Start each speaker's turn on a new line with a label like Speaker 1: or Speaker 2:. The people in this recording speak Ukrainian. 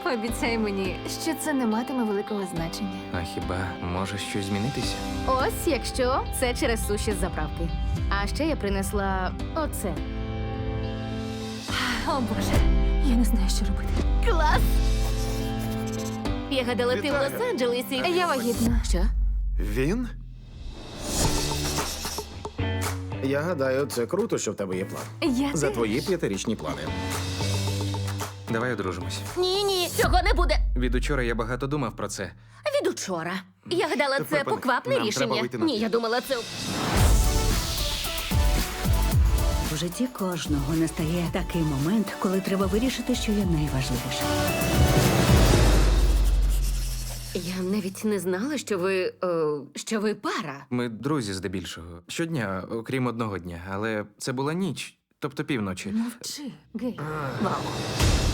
Speaker 1: Пообіцяй мені, що це не матиме великого значення.
Speaker 2: А хіба може щось змінитися?
Speaker 3: Ось якщо це через суші з заправки. А ще я принесла оце.
Speaker 1: О, Боже, я не знаю, що робити.
Speaker 3: Клас! Я гадала, ти в
Speaker 4: Вітаю.
Speaker 3: Лос-Анджелесі.
Speaker 1: Я вагітна.
Speaker 3: Що?
Speaker 4: Він?
Speaker 5: Я гадаю, це круто, що в тебе є план.
Speaker 1: Я
Speaker 5: За
Speaker 1: теж.
Speaker 5: твої 5-річні плани.
Speaker 2: Давай одружимось.
Speaker 3: Ні, цього не буде.
Speaker 2: Від учора я багато думав про це.
Speaker 3: Від учора. Я гадала, це
Speaker 4: Припини.
Speaker 3: поквапне
Speaker 4: Нам треба
Speaker 3: рішення.
Speaker 4: вийти на
Speaker 3: Ні,
Speaker 4: ти.
Speaker 3: я думала, це.
Speaker 6: У житті кожного настає такий момент, коли треба вирішити, що є найважливіше.
Speaker 3: Я навіть не знала, що ви пара.
Speaker 2: Ми друзі здебільшого. Щодня, окрім одного дня. Але це була ніч, тобто півночі.
Speaker 1: Мовчи, гей.
Speaker 3: Вау.